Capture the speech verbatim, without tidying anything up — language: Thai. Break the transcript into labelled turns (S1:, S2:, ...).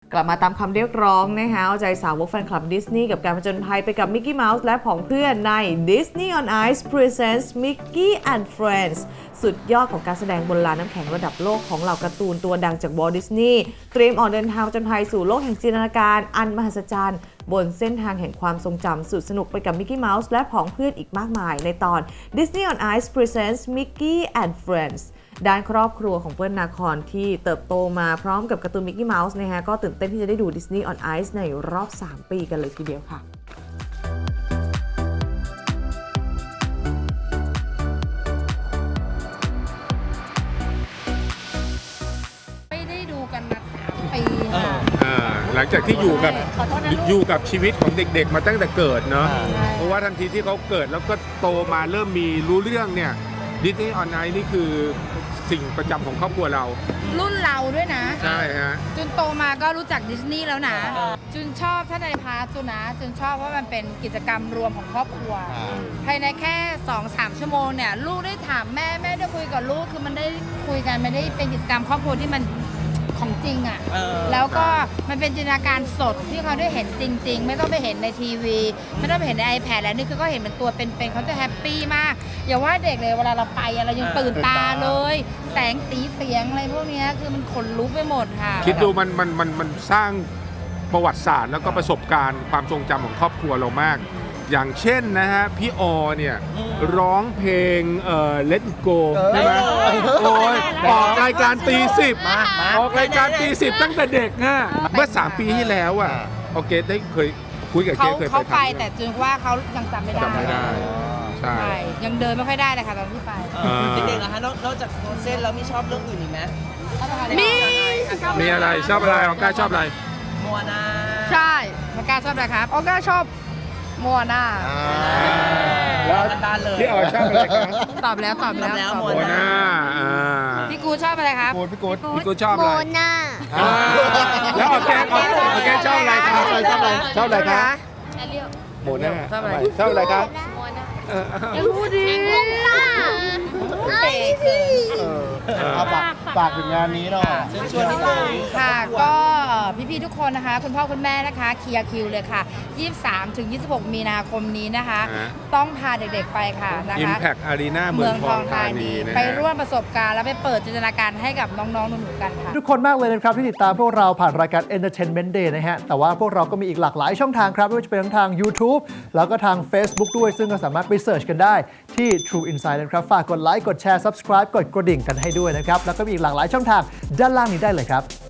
S1: กลับมาตามคำเรียกร้องนะคะเอาใจสาวกแฟนคลับดิสนีย์กับการผจญภัยไปกับมิกกี้เมาส์และผองเพื่อนใน Disney on Ice Presents Mickey and Friends สุดยอดของการแสดงบนลานน้ำแข็งระดับโลกของเหล่าการ์ตูนตัวดังจากวอลต์ดิสนีย์เตรียมออกเดินทางผจญภัยสู่โลกแห่งจินตนาการอันมหัศจรรย์บนเส้นทางแห่งความทรงจำสุดสนุกไปกับมิกกี้เมาส์และผองเพื่อนอีกมากมายในตอน Disney on Ice Presents Mickey and Friendsด้านครอบครัวของเปิ้ลนาคอนที่เติบโตมาพร้อมกับการ์ตูนมิกกี้เมาส์นะฮะก็ตื่นเต้นที่จะได้ดู Disney on Ice ในรอบสามปีกันเลยทีเดียวค่ะ
S2: ไม่ได้ดูกันมาสามปีค่ะ
S3: หลังจากที่อยู่กับอยู่กับชีวิตของเด็กๆมาตั้งแต่เกิดเนาะเพราะว่าทันทีที่เขาเกิดแล้วก็โตมาเริ่มมีรู้เรื่องเนี่ย Disney on Ice นี่คือสิ่งประจำของครอบครัวเรา
S2: รุ่นเราด้วยนะ
S3: ใช่ฮะ
S2: จุนโตมาก็รู้จักดิสนีย์แล้วนะจุนชอบถ้าในพาร์ทจุนนะจุนชอบเพราะมันเป็นกิจกรรมรวมของครอบครัวภายในแค่ สองถึงสาม ชั่วโมงเนี่ยลูกได้ถามแม่แม่ได้คุยกับลูกคือมันได้คุยกันไม่ได้เป็นกิจกรรมครอบครัวที่มันของจริงอ่ะแล้วก็มันเป็นจินตนาการสดที่เขาได้เห็นจริงๆไม่ต้องไปเห็นในทีวีไม่ต้องไปเห็นใน iPad แล้วนี่คือก็เห็นเป็นตัวเป็นๆเขาจะแฮปปี้มากอย่าว่าเด็กเลยเวลาเราไปเรายังตื่นตาเลยแสงสีเสียงอะไรพวกนี้คือมันขนลุกไปหมดค่ะ
S3: คิดดูมันมันมันมันสร้างประวัติศาสตร์แล้วก็ประสบการณ์ความทรงจำของครอบครัวเรามากอย่างเช่นนะฮะพี่ออเนี่ยร้องเพลงเอ่อ Let It Go ใช่ไหมโอ้ยออกรายการตีสิบออกรายการตีสิบตั้งแต่เด็กนะเมื่อสามปีที่แล้วอ่ะโอเคได้เคยคุยกับเกเคยไป
S2: เขาไปแต่จึงว่าเขายังจำไม่ได้
S3: จำไม่ได้ใช่
S2: ยังเดินไม่ค่อยได้เลยค่ะตอนที่ไป
S4: เด็กๆนะคะนอกจากโฟเซนแล้วมีชอบเรื่องอื่นอีกไหม
S2: มี
S3: มีอะไรชอบอะไรออก้าชอบอะไร
S4: โมอาน่า
S2: ใช่ออก้าชอบอะไรครับออก้าชอบโมอาน่า
S3: แล้วพี่ออชอบอะไรครับ
S2: ตอบแล้วตอบแล้ว
S4: โม
S3: อาน่า
S2: พี่กูชอบอะไรครับ
S3: พี่กูพี่กูชอบอะไร
S5: โมนา
S3: แล้วออแกออแกชอบอะไรครับชอบอะไรชอบอะไรครับโมนาชอบอะไรชอบอะไรครับ
S5: ยังพูดดีไอ้สิ
S6: เอาฝากฝากถึงงานนี้หน่อย
S4: ชวนนิดนึง
S2: ค่ะก็พี่ๆทุกคนนะคะคุณพ่อคุณแม่นะคะเคลียร์คิวเลยค่ะยี่สิบสามถึงยี่สิบหกมีนาคมนี้นะคะต้องพาเด็กๆไปค่ะนะคะ
S3: Impact Arena เมืองทองธานี
S2: ไปร่วมประสบการณ์และไปเปิดจินตนาการให้กับน้องๆหนูๆกันค่ะ
S6: ทุกคนมากเลยนะครับที่ติดตามพวกเราผ่านรายการ Entertainment Day นะฮะแต่ว่าพวกเราก็มีอีกหลากหลายช่องทางครับไม่ว่าจะเป็นทั้งทาง YouTube แล้วก็ทาง Facebook ด้วยซึ่งก็สามารถไปเสิร์ชกันได้ที่ True Insight นะครับฝากกดไลค์กดแชร์ Subscribe กดกระดิ่งกันให้ด้วยนะครับแล้วก็มีอีกหลากหลายช่องทางด้านล่างนี้ได้เลยครับ